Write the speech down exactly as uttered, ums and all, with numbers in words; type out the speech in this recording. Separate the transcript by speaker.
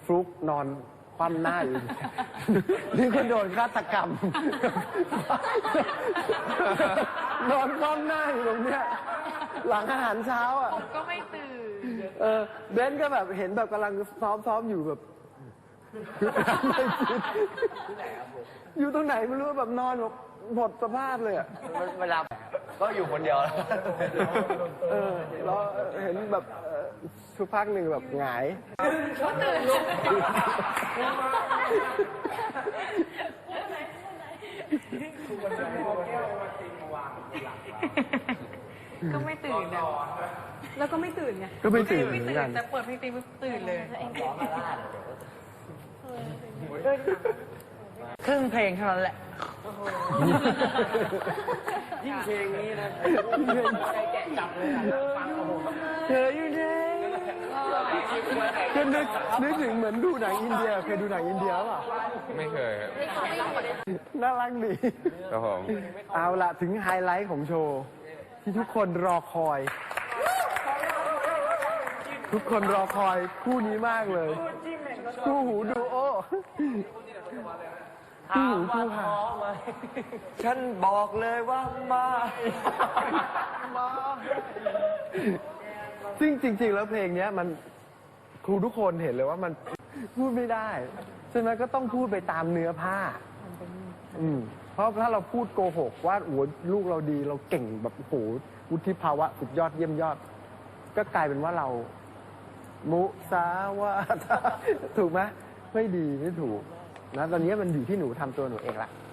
Speaker 1: ฟลุกนอนคว่ำหน้าอยู่ นี่ก็โดนฆาตกรรม นอนคว่ำหน้าอยู่ตรงเนี้ยหลังอาหารเช้าอ่ะ
Speaker 2: ผมก็ไม่ตื่น
Speaker 1: เออเบนก็แบบเห็นแบบกำลังซ้อมซ้อมอยู่แบบ อยู่ตรงไหนไม่รู้แบบนอนแบบหมดสภาพเลยอ่ะ
Speaker 3: เวลาก็อยู่คนเดียว
Speaker 1: เออแล้วเห็นแบบเอ่อสักพักหนึ่งแบบหงาย
Speaker 2: ก็ตื่นก็ไม่ตื่นนะแล้วก็ไม่ตื่นไง
Speaker 1: ก็ไม่ตื่น
Speaker 2: ไม่
Speaker 1: เหมือน
Speaker 2: ตื่
Speaker 1: กัน น
Speaker 2: แต่เปิดเพลงตีปุ๊บตื่นเลย
Speaker 3: ครึ่งเพลงเท่านั้นแหละ
Speaker 1: ยิ่งเพลงนี้นะแกะจับเลยฟังโอ้โหเธออยู่ไหนก็นึกนึกถึงเหมือนดูหนังอินเดียเคยดูหนังอินเดียป่ะ
Speaker 4: ไม่เคยครับ
Speaker 1: น่ารักดี
Speaker 4: ครับผม
Speaker 1: เอาละถึงไฮไลท์ของโชว์ ที่ทุกคนรอคอย ทุกคนรอคอยคู่นี้มากเลย คู่หูดูโอคู่หูคู่หา
Speaker 3: ฉันบอกเลยว่ามา
Speaker 1: ซึ่งจริง ๆ แล้วเพลงเนี้ยมันครูทุกคนเห็นเลยว่ามันพูดไม่ได้ฉะนั้นก็ต้องพูดไปตามเนื้อผ้า อืมเพราะถ้าเราพูดโกหกว่าโอ้โหลูกเราดีเราเก่งแบบโอ้โหวุฒิภาวะสุดยอดเยี่ยมยอด ก็กลายเป็นว่าเรา มุสาวาทาถูกไหมไม่ดีไม่ถูกนะตอนนี้มันอยู่ที่หนูทำตัวหนูเองละ